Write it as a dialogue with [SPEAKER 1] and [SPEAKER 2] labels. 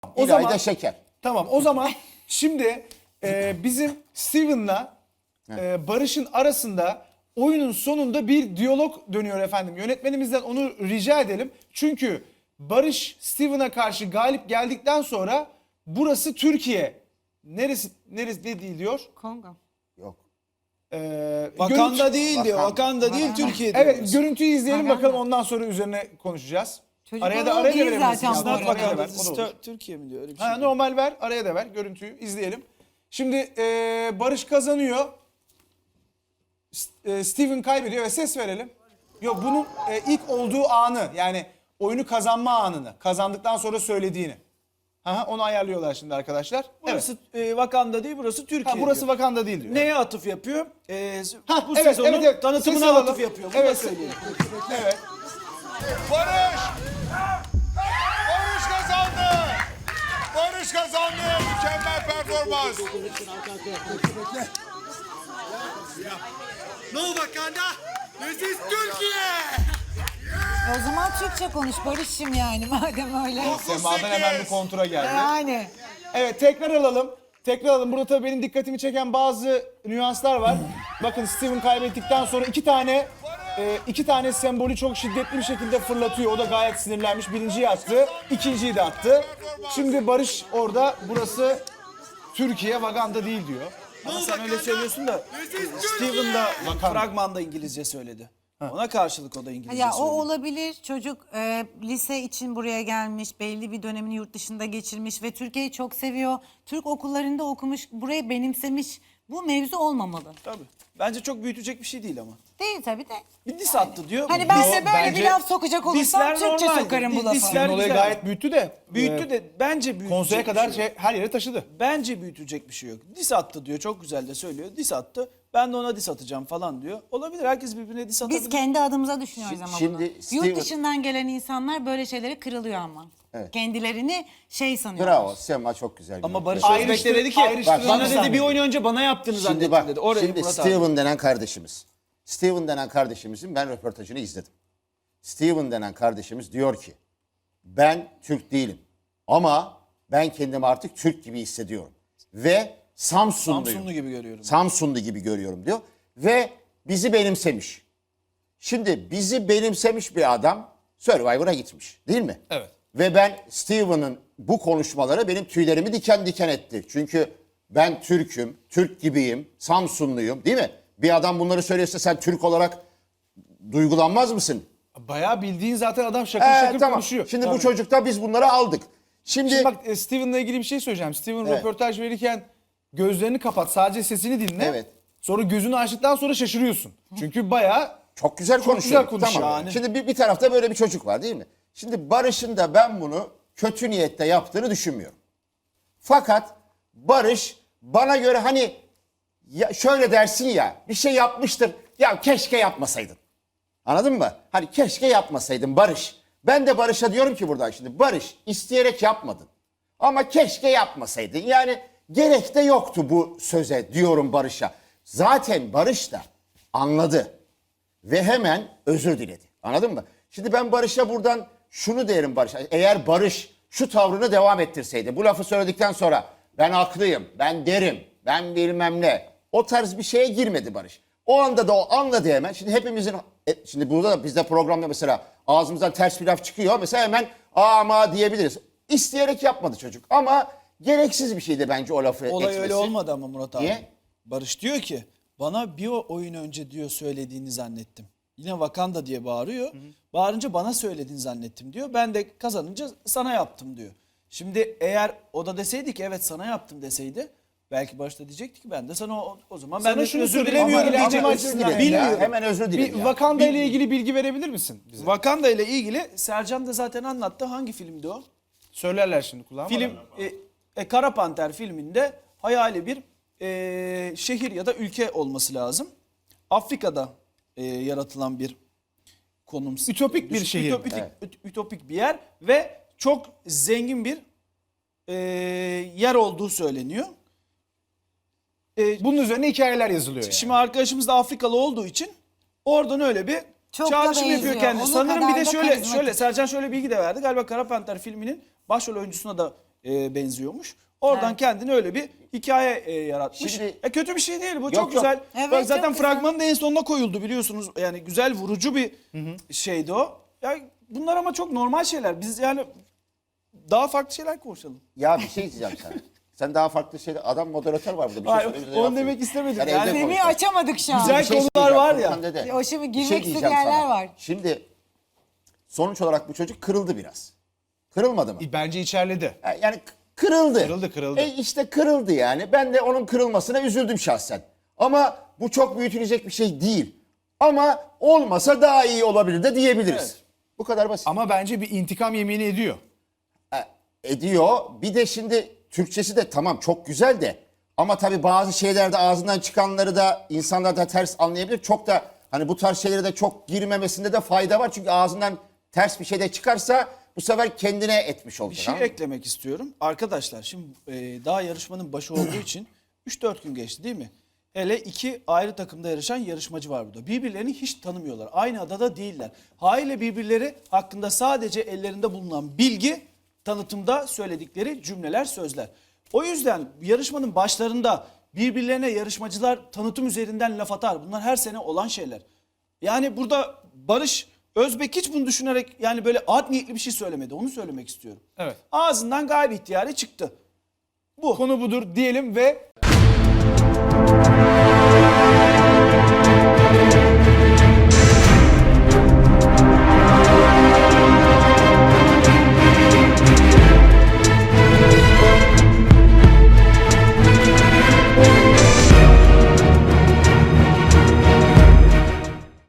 [SPEAKER 1] O
[SPEAKER 2] İlayda
[SPEAKER 1] zaman
[SPEAKER 2] Şeker.
[SPEAKER 1] tamam. O zaman şimdi bizim Steven'la Barış'ın arasında oyunun sonunda bir diyalog dönüyor efendim. Yönetmenimizden onu rica edelim. Çünkü Barış Steven'a karşı galip geldikten sonra burası Türkiye. Neresi ne değil diyor?
[SPEAKER 3] Kongo.
[SPEAKER 2] Yok.
[SPEAKER 4] Vakanda değil diyor. Vakanda değil Türkiye diyor.
[SPEAKER 1] Evet, görüntüyü izleyelim
[SPEAKER 3] Vakanda.
[SPEAKER 1] bakalım, ondan sonra üzerine konuşacağız.
[SPEAKER 3] Çocuk
[SPEAKER 1] Araya da
[SPEAKER 3] oralı
[SPEAKER 1] araya da
[SPEAKER 3] değil
[SPEAKER 1] verebilirsin.
[SPEAKER 3] zaten
[SPEAKER 1] Aslında
[SPEAKER 3] bu
[SPEAKER 1] araya
[SPEAKER 3] arada.
[SPEAKER 1] da ver,
[SPEAKER 4] Vakanda
[SPEAKER 1] o da olur.
[SPEAKER 4] Türkiye mi diyor? Öyle bir
[SPEAKER 1] Ha,
[SPEAKER 4] şey.
[SPEAKER 1] normal ver, araya da ver, görüntüyü izleyelim. Şimdi Barış kazanıyor. Steven kaybediyor ve ses verelim. Yok, bunun ilk olduğu anı, yani oyunu kazanma anını, kazandıktan sonra söylediğini. Aha, onu ayarlıyorlar şimdi arkadaşlar.
[SPEAKER 4] Burası Vakanda değil, burası Türkiye.
[SPEAKER 1] Ha, burası
[SPEAKER 4] diyor.
[SPEAKER 1] Vakanda değil diyor.
[SPEAKER 4] Neye atıf yapıyor? Bu
[SPEAKER 1] evet,
[SPEAKER 4] sezonun
[SPEAKER 1] evet, evet.
[SPEAKER 4] tanıtımına
[SPEAKER 1] Sesi alalım.
[SPEAKER 4] atıf yapıyor. Bunu
[SPEAKER 1] Evet.
[SPEAKER 4] da söyleyeyim.
[SPEAKER 1] Evet.
[SPEAKER 5] Barış! Barış kazandı! Barış kazandı! Mükemmel performans!
[SPEAKER 6] No Wakanda, this is Türkiye.
[SPEAKER 3] O zaman Türkçe konuş Barış'ım yani madem öyle.
[SPEAKER 1] Sema'dan hemen bir kontura geldi.
[SPEAKER 3] Yani.
[SPEAKER 1] Evet, tekrar alalım. Tekrar alalım. Burada tabii benim dikkatimi çeken bazı nüanslar var. Bakın, Steven kaybettikten sonra iki tane sembolü çok şiddetli bir şekilde fırlatıyor. O da gayet sinirlenmiş. Birinciyi attı, ikinciyi de attı. Şimdi Barış orada burası Türkiye, Wakanda değil diyor.
[SPEAKER 4] Ama sen öyle söylüyorsun da Steven da fragmanda İngilizce söyledi. Ona karşılık o da İngilizce
[SPEAKER 3] Ya o
[SPEAKER 4] söyledi.
[SPEAKER 3] olabilir. Çocuk lise için buraya gelmiş, belli bir dönemini yurt dışında geçirmiş ve Türkiye'yi çok seviyor. Türk okullarında okumuş, burayı benimsemiş. Bu mevzu olmamalı.
[SPEAKER 4] Tabii. Bence çok büyütecek bir şey değil ama.
[SPEAKER 3] Değil tabii de.
[SPEAKER 4] Bir diss attı diyor.
[SPEAKER 3] Hani ben de böyle
[SPEAKER 1] bence
[SPEAKER 3] bir laf sokacak olursam
[SPEAKER 4] disler
[SPEAKER 3] Türkçe
[SPEAKER 4] normaldir.
[SPEAKER 3] sokarım bu lafı.
[SPEAKER 4] Disler
[SPEAKER 1] Steven olayı
[SPEAKER 4] güzel.
[SPEAKER 1] gayet büyüttü de.
[SPEAKER 4] Büyüttü de bence büyütecek
[SPEAKER 1] Konseye
[SPEAKER 4] bir
[SPEAKER 1] kadar
[SPEAKER 4] şey yok.
[SPEAKER 1] her yere taşıdı.
[SPEAKER 4] Bence büyütecek bir şey yok. Dis attı diyor. Çok güzel de söylüyor. Dis attı. Ben de ona dis atacağım falan diyor. Olabilir. Herkes birbirine dis atabilir.
[SPEAKER 3] Biz kendi adımıza düşünüyoruz ama
[SPEAKER 2] Şimdi
[SPEAKER 3] bunu.
[SPEAKER 2] Steven-
[SPEAKER 3] Yurt dışından gelen insanlar böyle şeylere kırılıyor ama.
[SPEAKER 2] Evet.
[SPEAKER 3] Kendilerini şey sanıyorlar.
[SPEAKER 2] Bravo. Sema çok güzel.
[SPEAKER 4] Ama
[SPEAKER 2] yönetti.
[SPEAKER 4] Barış
[SPEAKER 1] Ayrıştır-
[SPEAKER 4] Özbek de dedi ki
[SPEAKER 1] ayrıştırın
[SPEAKER 4] bana
[SPEAKER 1] lütfen
[SPEAKER 4] dedi bir
[SPEAKER 1] dedi.
[SPEAKER 4] oyun önce bana yaptığını
[SPEAKER 2] Şimdi
[SPEAKER 4] zannettim
[SPEAKER 2] bak,
[SPEAKER 4] dedi. Orayı
[SPEAKER 2] şimdi
[SPEAKER 4] Murat abi.
[SPEAKER 2] Steven denen kardeşimiz. Steven denen kardeşimizin ben röportajını izledim. Steven denen kardeşimiz diyor ki, ben Türk değilim ama ben kendimi artık Türk gibi hissediyorum. Ve Samsunluyum.
[SPEAKER 4] Samsunlu gibi görüyorum.
[SPEAKER 2] Samsunlu gibi görüyorum diyor. Ve bizi benimsemiş. Şimdi bizi benimsemiş bir adam Survivor'a gitmiş, değil mi?
[SPEAKER 1] Evet.
[SPEAKER 2] Ve ben Steven'ın bu konuşmaları benim tüylerimi diken diken etti. Çünkü ben Türk'üm, Türk gibiyim, Samsunluyum, değil mi? Bir adam bunları söylüyorsa sen Türk olarak duygulanmaz mısın?
[SPEAKER 1] Bayağı bildiğin zaten adam şakır şakır
[SPEAKER 2] Tamam.
[SPEAKER 1] konuşuyor.
[SPEAKER 2] Şimdi
[SPEAKER 1] Tabii.
[SPEAKER 2] bu çocukta biz bunları aldık.
[SPEAKER 1] Şimdi bak, Steven'la ilgili bir şey söyleyeceğim. Steven
[SPEAKER 2] Evet.
[SPEAKER 1] röportaj verirken gözlerini kapat, sadece sesini dinle.
[SPEAKER 2] Evet.
[SPEAKER 1] Sonra gözünü açtıktan sonra şaşırıyorsun. Çünkü bayağı
[SPEAKER 2] Çok güzel konuşuyor.
[SPEAKER 1] güzel konuşuyor.
[SPEAKER 2] Tamam.
[SPEAKER 4] Yani.
[SPEAKER 2] Şimdi bir tarafta böyle bir çocuk var, değil mi? Şimdi Barış'ın da ben bunu kötü niyette yaptığını düşünmüyorum. Fakat Barış bana göre hani ya şöyle dersin ya, bir şey yapmıştır. Ya keşke yapmasaydın. Anladın mı? Hani keşke yapmasaydın Barış. Ben de Barış'a diyorum ki buradan şimdi, Barış isteyerek yapmadın. Ama keşke yapmasaydın. Yani gerek de yoktu bu söze diyorum Barış'a. Zaten Barış da anladı. Ve hemen özür diledi. Anladın mı? Şimdi ben Barış'a buradan şunu derim Barış'a. Eğer Barış şu tavrını devam ettirseydi, bu lafı söyledikten sonra ben haklıyım, ben derim, ben bilmem ne. O tarz bir şeye girmedi Barış. O anda da o anladı hemen. Şimdi hepimizin, şimdi burada da bizde programda mesela ağzımızdan ters bir laf çıkıyor. Mesela hemen ama diyebiliriz. İsteyerek yapmadı çocuk ama gereksiz bir şeydi bence o lafı
[SPEAKER 4] Olay
[SPEAKER 2] etmesi.
[SPEAKER 4] öyle olmadı ama Murat abi.
[SPEAKER 2] Niye?
[SPEAKER 4] Barış diyor ki bana bir oyun önce diyor söylediğini zannettim. Yine Wakanda diye bağırıyor. Bağırınca bana söylediğini zannettim diyor. Ben de kazanınca sana yaptım diyor. Şimdi eğer o da deseydi ki evet sana yaptım deseydi belki Barış da diyecekti ki ben de sana o zaman
[SPEAKER 1] Sana
[SPEAKER 4] ben de
[SPEAKER 1] şunu
[SPEAKER 4] özür
[SPEAKER 1] söyleyeyim
[SPEAKER 4] dilemiyorum
[SPEAKER 1] ama
[SPEAKER 4] diyecek.
[SPEAKER 1] ama
[SPEAKER 2] özür dilerim ya.
[SPEAKER 4] Bilmiyorum.
[SPEAKER 2] Hemen özür dilerim
[SPEAKER 1] bir
[SPEAKER 2] ya.
[SPEAKER 1] Wakanda ile ilgili bilgi verebilir misin bize?
[SPEAKER 4] Wakanda ile ilgili Sercan da zaten anlattı. Hangi filmdi o?
[SPEAKER 1] Söylerler şimdi kulağıma.
[SPEAKER 4] Film Kara Panter filminde hayali bir şehir ya da ülke olması lazım. Afrika'da yaratılan bir konum.
[SPEAKER 1] Ütopik bir şehir.
[SPEAKER 4] Ütopik bir yer ve çok zengin bir yer olduğu söyleniyor.
[SPEAKER 1] Bunun üzerine hikayeler yazılıyor yani.
[SPEAKER 4] Şimdi arkadaşımız da Afrikalı olduğu için oradan öyle bir
[SPEAKER 3] Çok da
[SPEAKER 4] çağrışım yapıyor
[SPEAKER 3] benziyor.
[SPEAKER 4] kendisi.
[SPEAKER 3] Onun
[SPEAKER 4] Sanırım bir
[SPEAKER 3] kadar
[SPEAKER 4] de
[SPEAKER 3] da
[SPEAKER 4] şöyle
[SPEAKER 3] karizmatik.
[SPEAKER 4] Sercan şöyle bilgi de verdi. Galiba Kara Panter filminin başrol oyuncusuna da benziyormuş. Oradan
[SPEAKER 3] Evet.
[SPEAKER 4] kendine öyle bir hikaye yaratmış.
[SPEAKER 2] Şimdi-
[SPEAKER 4] Kötü bir şey değil bu, çok
[SPEAKER 2] yok.
[SPEAKER 4] güzel.
[SPEAKER 3] Evet,
[SPEAKER 4] Bak zaten
[SPEAKER 3] çok güzel.
[SPEAKER 4] fragmanın da en sonuna koyuldu biliyorsunuz. Yani güzel, vurucu bir şeydi o. Ya bunlar ama çok normal şeyler. Biz yani daha farklı şeyler konuşalım.
[SPEAKER 2] Ya bir şey diyeceğim sana. Sen daha farklı şeyler... Adam moderatör var burada. Bir
[SPEAKER 4] Hayır,
[SPEAKER 2] söyle, bize
[SPEAKER 4] onu
[SPEAKER 2] cevap
[SPEAKER 4] demek
[SPEAKER 2] verin.
[SPEAKER 4] istemedim.
[SPEAKER 2] Sen
[SPEAKER 4] Yani-
[SPEAKER 2] evde
[SPEAKER 3] Semih'i
[SPEAKER 2] konuş.
[SPEAKER 3] açamadık şu an.
[SPEAKER 4] Güzel
[SPEAKER 2] Bir şey
[SPEAKER 4] konular
[SPEAKER 2] söyleyeceğim,
[SPEAKER 4] var ya.
[SPEAKER 2] Furkan dede.
[SPEAKER 3] O şimdi
[SPEAKER 2] Bir
[SPEAKER 3] girmek
[SPEAKER 2] şey
[SPEAKER 3] istediği
[SPEAKER 2] diyeceğim
[SPEAKER 3] yerler
[SPEAKER 2] sana.
[SPEAKER 3] var.
[SPEAKER 2] Şimdi sonuç olarak bu çocuk kırıldı biraz. Kırılmadı mı?
[SPEAKER 1] Bence içerledi.
[SPEAKER 2] Yani kırıldı.
[SPEAKER 1] Kırıldı.
[SPEAKER 2] İşte kırıldı yani. Ben de onun kırılmasına üzüldüm şahsen. Ama bu çok büyütülecek bir şey değil. Ama olmasa daha iyi olabilir de diyebiliriz.
[SPEAKER 4] Evet.
[SPEAKER 2] Bu kadar basit.
[SPEAKER 1] Ama bence bir intikam yemini ediyor.
[SPEAKER 2] Ediyor. Bir de şimdi Türkçesi de tamam çok güzel de ama tabii bazı şeylerde ağzından çıkanları da insanlar da ters anlayabilir. Çok da hani bu tarz şeylere de çok girmemesinde de fayda var. Çünkü ağzından ters bir şey de çıkarsa bu sefer kendine etmiş
[SPEAKER 4] Bir
[SPEAKER 2] olacak.
[SPEAKER 4] şey
[SPEAKER 2] anladın mı?
[SPEAKER 4] eklemek istiyorum. Arkadaşlar şimdi daha yarışmanın başı olduğu için 3-4 gün geçti değil mi? Hele 2 ayrı takımda yarışan yarışmacı var burada. Birbirlerini hiç tanımıyorlar. Aynı adada değiller. Haliyle birbirleri hakkında sadece ellerinde bulunan bilgi, tanıtımda söyledikleri cümleler, sözler. O yüzden yarışmanın başlarında birbirlerine yarışmacılar tanıtım üzerinden laf atar. Bunlar her sene olan şeyler. Yani burada Barış Özbek hiç bunu düşünerek yani böyle art niyetli bir şey söylemedi. Onu söylemek istiyorum.
[SPEAKER 1] Evet.
[SPEAKER 4] Ağzından gayri ihtiyari çıktı. Bu.
[SPEAKER 1] Konu budur diyelim ve